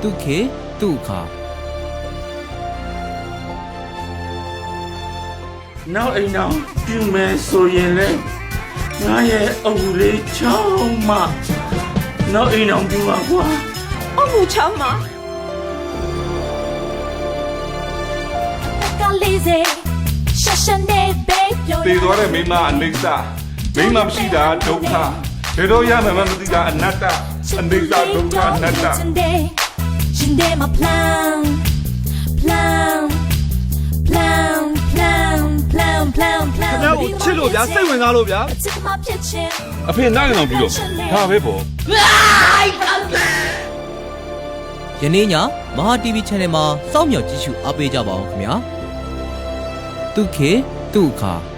တုခေတုခါနောက်အိမ်အောင်ပြုမယ်ဆိုရင်လေငါရဲ့အုပ်လေးချောင်းမနောက်အိမ်အောင်ပြုပါကွာအမှုချမ်းမှာကလေးစေရှာရှာနေဘေးပြောသေသွားတဲ့မိမအနေစာမိမမရှိတာဒုက္ခဘယ်တော့ရမှမသိတာအနတ္တအနေစာဒုက္ခအနတ္တရှင်တဲ့ my plan plan plan plan plan plan plan ခင်ဗျားကိုချစ်လို့ဗျာစိတ်ဝင်စားလို့ဗျာအဖေနိုင်အောင်ပြီးတော့ဒါပဲပေါ့ယနေ့ညမဟာ TV Channel မှာစောင့်မျှော်ကြည့်ရှုအားပေးကြပါအောင်ခင်ဗျာတုခေတုခါ